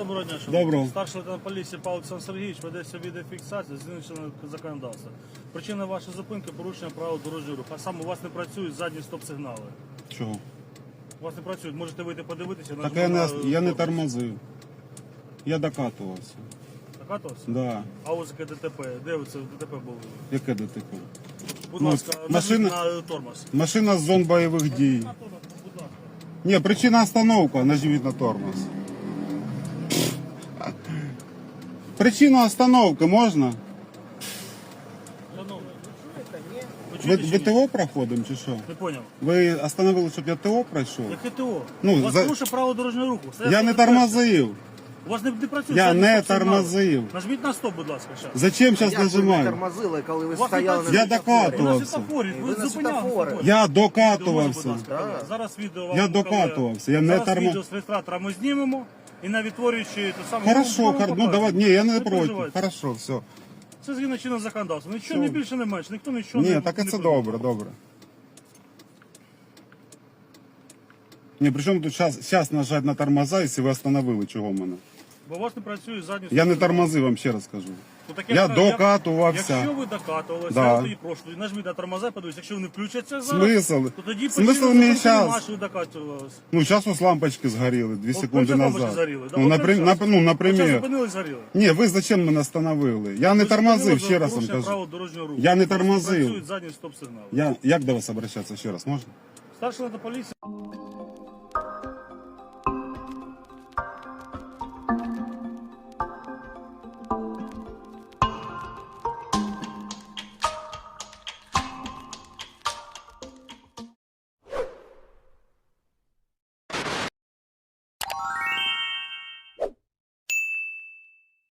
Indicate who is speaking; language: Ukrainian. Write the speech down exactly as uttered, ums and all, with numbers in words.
Speaker 1: Доброго дня,
Speaker 2: Доброго.
Speaker 1: шановні. Старший лейтенант поліції Павло Олександр Сергійович ведеться відеофіксація з іншого законодавства. Причина вашої зупинки – порушення правил дорожнього руху. А саме у вас не працюють задні стоп-сигнали.
Speaker 2: Чого?
Speaker 1: У вас не працюють, можете вийти подивитися.
Speaker 2: Так я не,
Speaker 1: нажимати
Speaker 2: я не
Speaker 1: на
Speaker 2: тормозив. Я докатувався.
Speaker 1: Накатувався?
Speaker 2: Да.
Speaker 1: А ось яке ДТП. Де ви це в ДТП були?
Speaker 2: Яке ДТП?
Speaker 1: Будь
Speaker 2: Ну,
Speaker 1: ласка,
Speaker 2: машина-
Speaker 1: нажміть на тормоз.
Speaker 2: Машина з зон бойових дій.
Speaker 1: На тормоз, будь ласка.
Speaker 2: Ні, причина остановка, нажміть на тормоз. Причина остановки можна?
Speaker 1: Шановний, ви
Speaker 2: Ви,
Speaker 1: чуєте чи
Speaker 2: ви
Speaker 1: ні?
Speaker 2: ТО проходимо чи що?
Speaker 1: Не поняв.
Speaker 2: Ви остановили, щоб я ТО пройшов?
Speaker 1: Яке ТО?
Speaker 2: Ну,
Speaker 1: у вас
Speaker 2: за-
Speaker 1: порушує право дорожнього руху. Це
Speaker 2: Я не
Speaker 1: перше.
Speaker 2: тормозив.
Speaker 1: У вас не, не працює.
Speaker 2: Я
Speaker 1: задні
Speaker 2: не
Speaker 1: стоп-сигнали.
Speaker 2: тормозив.
Speaker 1: Нажміть на стоп, будь ласка, зараз.
Speaker 2: Зачем зараз
Speaker 3: Як ви не
Speaker 2: нажимаю?
Speaker 3: тормозили, коли ви
Speaker 1: Вас не
Speaker 3: стояли
Speaker 1: працює.
Speaker 3: на
Speaker 2: Я
Speaker 3: світлофорі?
Speaker 1: Ви на
Speaker 2: докатувався.
Speaker 1: світофорі,
Speaker 3: Ви
Speaker 1: ви
Speaker 3: на
Speaker 1: зупиняли
Speaker 3: світофорі.
Speaker 1: світофорі.
Speaker 2: Я
Speaker 1: Відео можна, будь
Speaker 2: докатувався.
Speaker 1: ласка,
Speaker 3: Так.
Speaker 1: показати? Зараз відео вам
Speaker 2: Я
Speaker 1: покажу.
Speaker 2: докатувався, я не
Speaker 1: Зараз
Speaker 2: тормо-
Speaker 1: відео з реєстратора ми знімемо і на відтворюючи те саме.
Speaker 2: Хорошо,
Speaker 1: вам
Speaker 2: хор... ну
Speaker 1: покажемо.
Speaker 2: давай, ні, я не проти.
Speaker 1: переживайте.
Speaker 2: Хорошо, все.
Speaker 1: Це згідно чинного законодавства. Нічого
Speaker 2: Все.
Speaker 1: не більше, не менше, ніхто нічого не
Speaker 2: Ні, так і
Speaker 1: не
Speaker 2: це
Speaker 1: придумав.
Speaker 2: добре, добре. Ні, при чому тут зараз, зараз нажати на тормоза, якщо ви остановили, чого мене?
Speaker 1: Бо у вас не працює задні
Speaker 2: Я не
Speaker 1: стоп-сигнали.
Speaker 2: тормозив, вам ще раз кажу.
Speaker 1: Ну, так я
Speaker 2: Я
Speaker 1: кажу,
Speaker 2: докатувався.
Speaker 1: Якщо ви докатувалися,
Speaker 2: Да.
Speaker 1: я тоді прошу, тоді нажміть на тормоза, подивіться, якщо вони включаться зараз,
Speaker 2: Смисл?
Speaker 1: то тоді
Speaker 2: Смисл
Speaker 1: причина
Speaker 2: мені
Speaker 1: зупинки
Speaker 2: щас?
Speaker 1: нема, що ви докатувалися.
Speaker 2: Ну, зараз ось лампочки згоріли, дві
Speaker 1: От
Speaker 2: секунди
Speaker 1: перші лампочки
Speaker 2: назад.
Speaker 1: згоріли, да?
Speaker 2: Ну,
Speaker 1: От
Speaker 2: напри...
Speaker 1: перші
Speaker 2: нап...
Speaker 1: раз.
Speaker 2: ну,
Speaker 1: От зараз
Speaker 2: наприклад.
Speaker 1: зупинили, згоріли.
Speaker 2: Ні, ви зачем мене остановили? Я не
Speaker 1: Ви
Speaker 2: тормозив,
Speaker 1: зупинили
Speaker 2: ще раз вам
Speaker 1: порушення
Speaker 2: кажу.
Speaker 1: правил дорожнього руху.
Speaker 2: Я не
Speaker 1: У вас
Speaker 2: тормозив.
Speaker 1: Працюють задні стоп-сигнали.
Speaker 2: Я... Як до вас обращатися ще раз, можна?
Speaker 1: Старший лейтенант поліції.